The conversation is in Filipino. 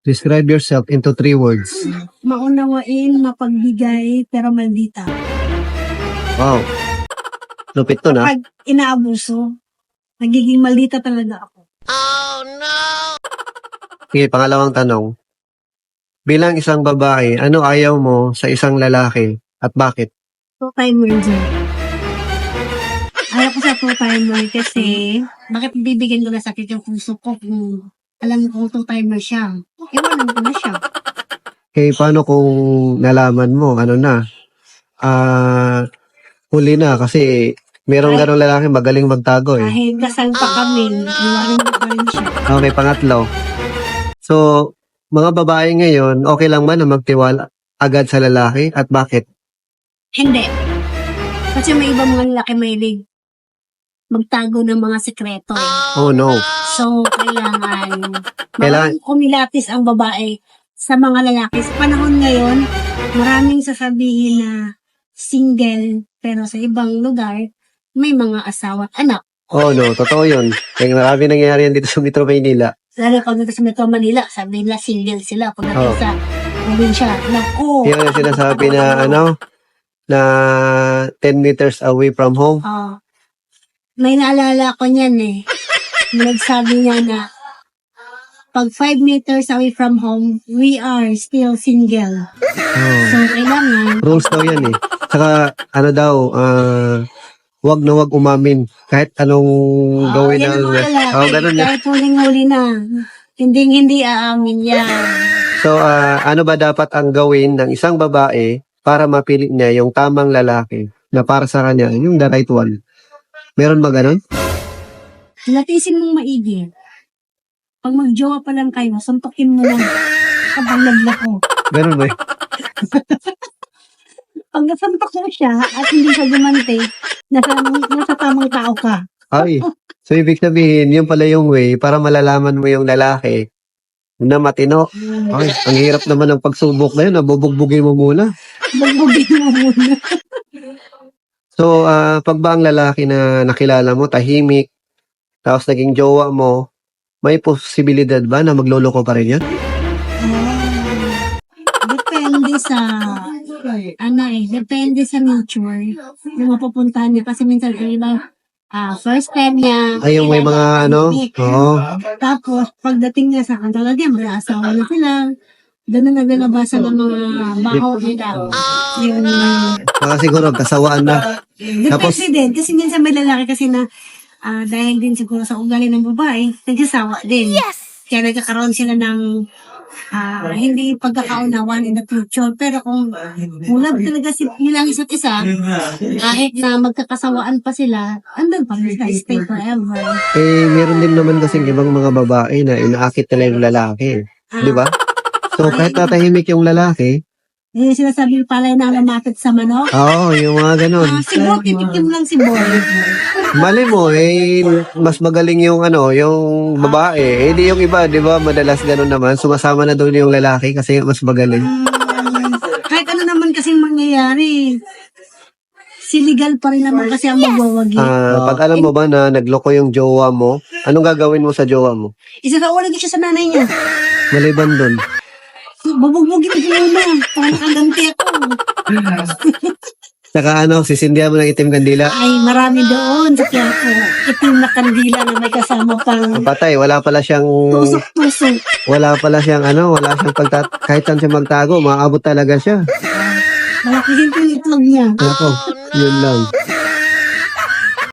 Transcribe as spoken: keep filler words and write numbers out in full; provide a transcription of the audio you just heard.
Describe yourself into three words. Maunawain, mapagbigay, pero maldita. Wow. Lupit to na. Pag inaabuso, nagiging maldita talaga ako. Sige, pangalawang tanong. Bilang isang babae, ano ayaw mo sa isang lalaki at bakit? Two-timer dyan. Ayaw ko sa two-timer kasi bakit bibigyan ko na sakit yung puso ko kung alam ko two-timer siya. Iwanan ko na siya. Okay, paano kung nalaman mo, ano na, ah, huli na kasi merong Ay. ganong lalaki magaling magtago eh. Kahit kasal pa kami, iwanan ko pa rin siya. Okay, pangatlo. So, mga babae ngayon, okay lang ba na magtiwala agad sa lalaki at bakit? Hindi. Kasi may ibang mga lalaki mahilig magtago ng mga sekreto. Eh. Oh no. So, kailangan Kailangan- maraming kumilatis ang babae sa mga lalaki. Sa panahon ngayon, maraming sasabihin na single, pero sa ibang lugar, may mga asawa at anak. Oh no, totoo yun. Kaya marami nangyayari yan dito sa Metro Maynila. Lalo pagdating sa Metro Manila, sabi nila single sila. Pagdating Oh. sa probinsya, naku, Yan ang sinasabi na ano, na ten meters away from home. ah, may naalala ko niyan eh. Nagsabi niya na pag five meters away from home, we are still single. Oh. So, kailangan, Rules daw yan eh. Saka, ano daw, ah, wag na wag umamin. Kahit anong ah, gawin yan ng... ang mga lalaki. Oh, ganun yan. Kahit huling-huli na, hindi hindi aamin yan. So, ah, ano ba dapat ang gawin ng isang babae para mapili niya yung tamang lalaki na para sa kanya, yung the right one? Meron ba ganun? Latisin mong maigi. Pag magjowa pa lang kayo, suntukin mo lang. Kapag naglako. Ganun ba? Pag nasantok mo siya at hindi siya gumante, nasa, nasa tamang tao ka. Ay. So, ibig sabihin, yun pala yung way para malalaman mo yung lalaki na matino. Ay, ang hirap naman ng pagsubok na yun. Nabubugbugin mo muna. Bagbugin mo muna. So, ah, pag ba ang lalaki na nakilala mo, tahimik, tapos naging jowa mo, may posibilidad ba na magloloko pa rin yan? Ah, depende sa ano eh, depende sa nature yung mapupuntahan niya. Kasi minsan yung iba, ah, first time niya. Ay, yung may mga ano? Oo. Tapos, pagdating niya sa kanto lagi, may asawa na sila. Doon na naglalabasa ng mga baho nila. Yung, Baka siguro, kasawaan na. Tapos- depende din. Kasi minsan may lalaki kasi na ah, dahil din siguro sa ugali ng babae, nagsasawa din. Yes! Kaya nagkakaroon sila ng ah, hindi pagkakaunawan in the future. Pero kung mula talaga si, nilang isa't isa, kahit na magkakasawaan pa sila, andun pa rin sila, stay forever. Eh, meron din naman kasing ibang mga babae na inaakit nila yung lalaki. Di ba? So, kahit natahimik yung lalaki, Eh, sinasabi palay na lumapit sa manok. oo, yung mga ganun. Ah, siguro titikim lang si Boy. Mali mo, eh, mas magaling yung ano, yung babae. Eh, di yung iba, di ba, madalas ganun naman. Sumasama na doon yung lalaki kasi mas magaling. Hmm, kahit ano naman kasing mangyayari, siligal pa rin naman kasi ang magwawagi. Ah, pag alam mo ba na nagloko yung jowa mo, anong gagawin mo sa jowa mo? Isa sa ulan siya sa nanay niya. Maliban doon. Bubugbugin ko na. Parang nakaganti ako. Saka ano, sisindihan mo ng itim kandila. Ay, marami doon sa Quiapo. Itim na kandila na may kasama pang Patay, wala pala siyang, tusok-tusok. wala pala siyang ano, wala siyang pagtat, kahit saan siya magtago, maabot talaga siya. Malaki yung itlog niya. Ako, yun lang.